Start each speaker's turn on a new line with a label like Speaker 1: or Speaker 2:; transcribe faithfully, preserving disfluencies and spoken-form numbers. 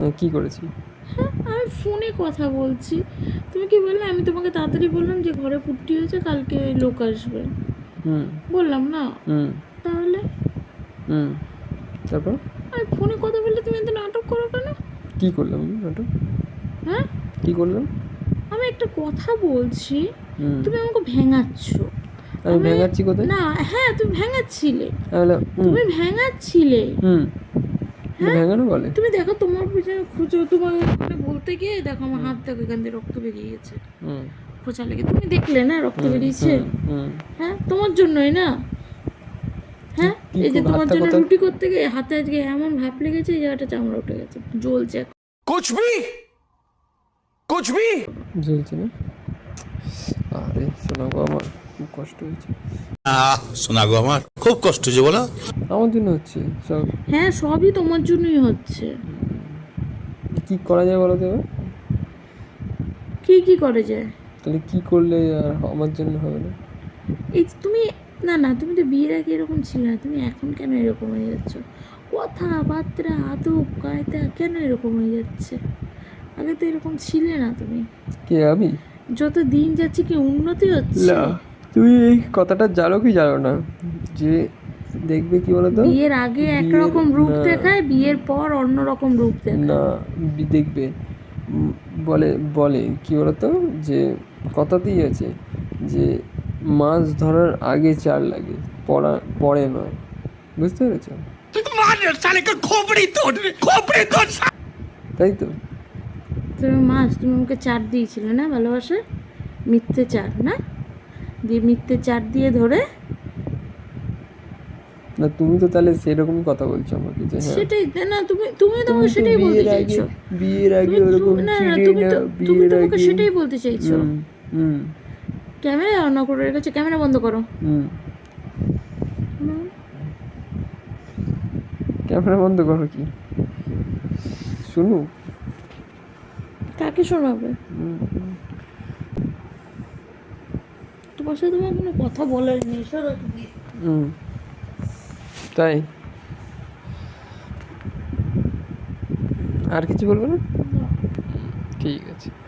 Speaker 1: কি করেছি?
Speaker 2: হ্যাঁ, আমি ফোনে কথা বলছি, তুমি কি বললে? আমি তোমাকে তাড়াতাড়ি বললাম যে ঘরে পুট্টি হয়েছে, কালকে লোক আসবে,
Speaker 1: হুম
Speaker 2: বললাম না?
Speaker 1: হুম
Speaker 2: তাহলে
Speaker 1: হুম তারপর
Speaker 2: আমি ফোনে কথা বললে তুমি এত নাটক করো কেন?
Speaker 1: কি করলাম আমি নাটক?
Speaker 2: হ্যাঁ,
Speaker 1: কি করলাম?
Speaker 2: আমি একটা কথা বলছি,
Speaker 1: হুম
Speaker 2: তুমি আমাকে ভেঙাচ্ছ।
Speaker 1: আমি ভেঙাচ্ছি কোথায়?
Speaker 2: না, হ্যাঁ তুমি ভেঙাচ্ছিলে,
Speaker 1: তাহলে হুম
Speaker 2: তুমি ভেঙাচ্ছিলে।
Speaker 1: হুম
Speaker 2: হ্যাঁ,
Speaker 1: ভেঙানো বলে?
Speaker 2: তুমি দেখো তোমার পিছনে খুঁজো, তোমার ওখানে বলতে গিয়ে দেখো আমার হাত দেখো এখান দিয়ে রক্ত বেরিয়ে গেছে,
Speaker 1: হুম
Speaker 2: খোঁচা লেগে, তুমি দেখলে না রক্ত
Speaker 1: হুম
Speaker 2: বেরিয়েছে?
Speaker 1: হুম হুম
Speaker 2: হ্যাঁ, তোমার জন্যই না? হ্যাঁ,
Speaker 1: কি
Speaker 2: এই যে
Speaker 1: করবো?
Speaker 2: তোমার
Speaker 1: হাতটা
Speaker 2: জন্য
Speaker 1: কোথায়?
Speaker 2: রুটি করতে গিয়ে হাতে আজকে এমন ভাপ লেগেছে, এই জায়গাটা চামড়া উঠে গেছে, জ্বলছে এখন।
Speaker 3: कुछ भी कुछ भी
Speaker 1: জ্বলছে না? আরে শোনা গো, আমার খুব কষ্ট হয়েছে।
Speaker 3: আহ শোনা গো আমার খুব কষ্ট হচ্ছে বলো।
Speaker 1: আমার জন্য হচ্ছে সব।
Speaker 2: হ্যাঁ, সবই তোমার জন্যই হচ্ছে।
Speaker 1: কি করা যায় বলো তো এবার?
Speaker 2: কি কি করে যায়?
Speaker 1: তাহলে কি করলে আর আমার জন্য হবে না?
Speaker 2: এই যে তুমি, না না, তুমি তো বিয়ের আগে এরকম ছিলে না, তুমি এখন কেন এরকম হয়ে যাচ্ছ? কথাবার্তা, আদব কায়দা কেন এরকম হয়ে যাচ্ছে? আগে তো এরকম ছিলে না তুমি।
Speaker 1: কে আমি?
Speaker 2: যত দিন যাচ্ছে কি উন্নতি হচ্ছে?
Speaker 1: না, তুমি এই কথাটা জানো কি জানো না যে দেখবে কি বলো তো,
Speaker 2: বিয়ের আগে একরকম
Speaker 1: বিয়ের-
Speaker 2: রূপ
Speaker 1: না,
Speaker 2: দেখায়, বিয়ের পর অন্য রকম রূপ দেখায়।
Speaker 1: না বি- দেখবে উম, বলে বলে কি বলতো, যে কথাতেই আছে যে মাছ ধরার আগে চার লাগে, পড়া পরে নয়। বুঝতে পেরেছো? তাই তো।
Speaker 2: তুমি মাছ, তুমি আমাকে চার দিয়েছিলে না ভালোবাসা, মিথ্যে চার না দিয়ে, মিথ্যে চার দিয়ে ধরে।
Speaker 1: না তুমি তো তাহলে সেরকমই কথা বলছো আমাকে যে হ্যাঁ
Speaker 2: সেটাই না, তুমি তুমি তো
Speaker 1: তুমি
Speaker 2: আমাকে
Speaker 1: তো
Speaker 2: সেটাই বলতে
Speaker 1: বিয়ের আগে
Speaker 2: চাইছো।
Speaker 1: বিয়ের আগে
Speaker 2: তুমি-
Speaker 1: ওরকম
Speaker 2: তুমি- না না,
Speaker 1: ছিলে
Speaker 2: তুমি
Speaker 1: না,
Speaker 2: তো তুমি
Speaker 1: বিয়ের
Speaker 2: তো আমাকে
Speaker 1: আগে
Speaker 2: সেটাই বলতে চাইছো।
Speaker 1: হুম হুম
Speaker 2: ক্যামেরা অন করে রেখেছো, ক্যামেরা বন্ধ করো।
Speaker 1: হুম ক্যামেরা বন্ধ করো কি শুনু?
Speaker 2: কাকে শোনাবে? তোমার সাথে তোমার কোনো কথা বলার নেই, সরো তুমি।
Speaker 1: হুম তাই আর কিছু বলবো না? ঠিক আছে।